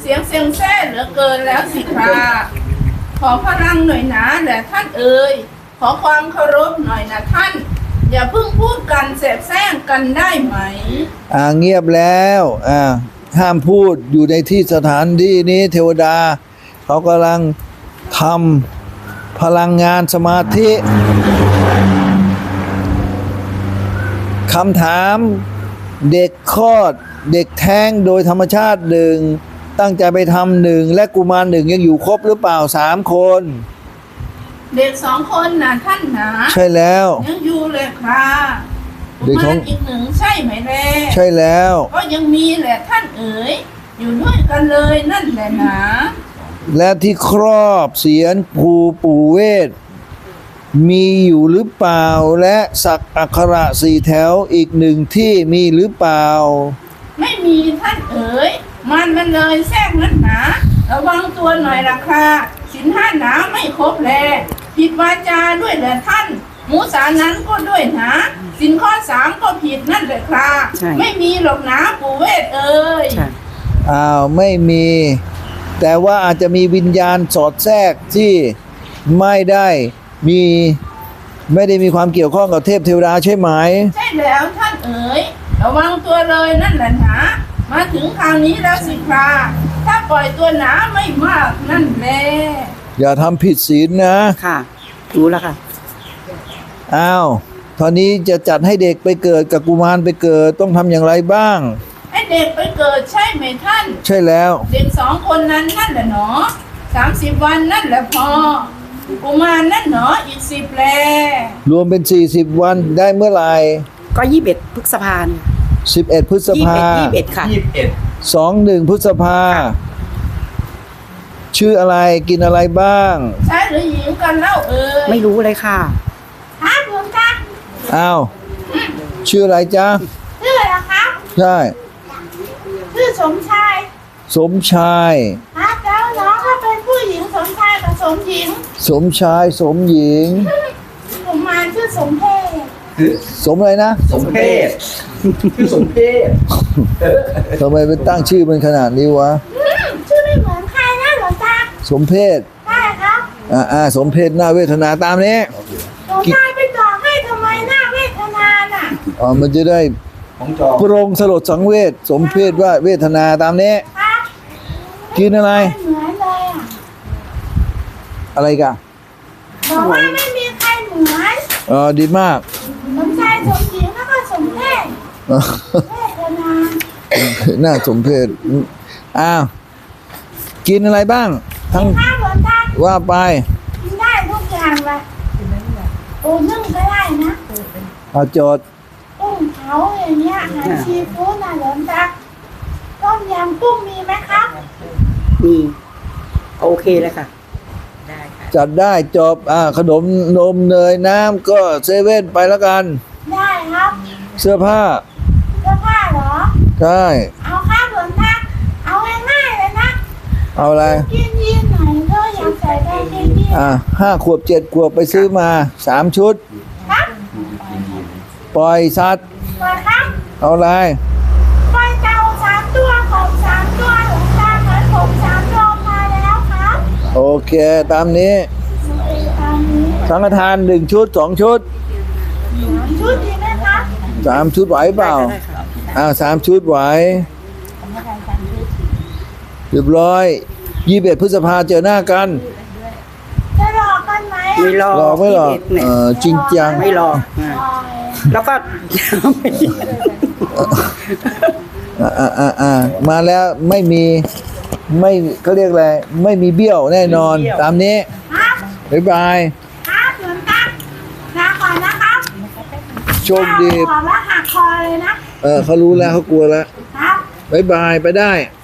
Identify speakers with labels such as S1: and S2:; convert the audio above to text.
S1: สียงเซ็งแซ่เหลือเกินแล้วสิคราขอพลังหน่อยนะแหละท่านเอ๋ยขอความเคารพหน่อยนะท่านอย่าเพิ่งพูดกันแสบแซงกันได้ไหม
S2: เงียบแล้วห้ามพูดอยู่ในที่สถานที่นี้เทวดาเขากำลังทำพลังงานสมาธิคำถามเด็กคลอดเด็กแท้งโดยธรรมชาติหนึ่งตั้งใจไปทำหนึ่งและกุมารหนึ่งยังอยู่ครบหรือเปล่า3 คน
S1: เด็ก2 คนนะท่านนะ
S2: ใช่แล้ว
S1: ยังอยู่เลยครับกุมารอีก1ใช่ไหมแล่
S2: ใช่แล้ว
S1: ก็ยังมีแหละท่านเอ๋ยอยู่ด้วยกันเลยนั่นแหละนะ
S2: และที่ครอบเสียนปู่เวทมีอยู่หรือเปล่าและสักอักขระ4 แถวอีก1ที่มีหรือเปล่า
S1: ไม่มีท่านเอ๋ยมันเลยแทรกนั่นนะระวังตัวหน่อยละค่ะศีล 5หนาไม่ครบแลผิดวาจาด้วยแหละท่านมุสานั้นก็ด้วยนะศีลข้อ3ก็ผิดนั่นแหละค่ะไม่มีหรอกนะปู่เวทเอ๋ย
S2: ไม่มีแต่ว่าอาจจะมีวิญญาณสอดแทรกที่ไม่ได้มีความเกี่ยวข้องกับเทพเทวดาใช่ไหม
S1: ใช่แล้วท่านเอ๋ยระวังตัวเลยนั่นแหละนะมาถึงคราวนี้แล้วสิคราถ้าปล่อยตัวหนาไม่มากนั่นแหละ
S2: อย่าทำผิดศีลนะ
S3: ค่ะรู้แล้วค่ะ
S2: ตอนนี้จะจัดให้เด็กไปเกิดกับกุมารไปเกิดต้องทำอย่างไรบ้าง
S1: ให้เด็กไปเกิดใช่ไหมท่าน
S2: ใช่แล้ว
S1: เด็ก2 คนนั้นนั่นแหละเนาะ30 วันนั่นแหละพอกุมารนั่นเนาะอีก10แล
S2: รวมเป็น40 วันได้เมื่อไหร่
S3: ก็21 พฤษภาคม
S2: 11 พฤษภา
S3: 21ค่ะ
S2: 21 พฤษภาชื่ออะไรกินอะไรบ้าง
S1: ชายหรือหญิงกันเล่าเอ่ย
S3: ไม่รู้เลยค่ะ
S1: ครับหลวงตา
S2: ชื่ออะไรจ๊ะ
S1: ชื่ออะไรครับ
S2: ใช่
S1: ชื่อสมชาย
S2: ครับ
S1: แล้วน้องก็เป็นผู้หญิงสมชายกับสมหญิง
S2: สมชายสมหญิง
S1: กุมารชื่อสมเพศ
S2: สมอะไรนะ
S4: สมเพศชื่อสมเพศ
S2: ทำไมไปตั้งชื่อเป็นขนาดนี้วะ
S1: ชื่อไม่เหมือนใครนะหลวงตา
S2: สมเพศ
S1: ใช่ครับ
S2: สมเพศหน้าเวทนาตามนี้
S1: หลวงตาไปต่อให้ทำไมหน้าเวทนาน่ะ
S2: มันจะได้ปรงสลดสังเวชสมเพศว่าเวทนาตามนี้กินอะไร
S1: เหมือนเลย
S2: อะไรกัน
S1: บอกว่าไม่มีใครเหมือน
S2: ดีมาก
S1: สมชายสมหญิงแล้วก็สมเพศเวทนา
S2: หน้าสมเพศกินอะไรบ้างทั้งว่าไป
S1: กินได้ทุกอย่างเลยนึ่งก็ได้นะ
S2: โจทย์
S1: กุ้งเผาอย่างเงี้ยอาหารซีฟู้ดนะหลวงตาต้มยำกุ้งมีไหมครับ
S3: มีโอเคเลยค่ะ
S2: ได้ค่ะจัดได้จบขนมนมเนยน้ำก็เซเว่นไปแล้วกัน
S1: ได้ครับ
S2: เสื้อผ้า
S1: เหรอ
S2: ใช่
S1: เอาครับหลวงตาเอาง่ายๆเลยนะ
S2: เอาอะไร
S1: กินยีนหน่อยก็อยากใส่กางเกงยีน
S2: 5 ขวบ 7 ขวบไปซื้อมา3 ชุด
S1: ครับ
S2: ปล่อยสัตว์
S1: ครับ
S2: เอาอะไร
S1: ปล่อยเต่า3 ตัวกบ3 ตัวหลวงตาเหมือนผม3 ตัวมาแล้วครับ
S2: โอเคตามนี้สังฆทาน1 ชุด 2 ชุด
S1: 3 ชุดดีไหมครับ
S2: 3 ชุดไหวเปล่า3 ชุดไหวเรียบร้อย21 พฤษภาเจอหน้ากัน
S1: จะหลอกกันไหม
S3: ไม่หลอก
S2: ไม่หลอกจริงจัง
S3: ไม่หลอกแล้วก็
S2: มาแล้วไม่เขาเรียกอะไรไม่มีเบี้ยวแน่นอนตามนี้บ๊ายบาย
S1: ครับหลวงตาลาก่อนนะครับ
S2: โชคดี
S1: ขอมาหักคอเลยนะ
S2: เขารู้แล้วเขากลัวแล้ว
S1: ครับ
S2: บ๊ายบายไปได้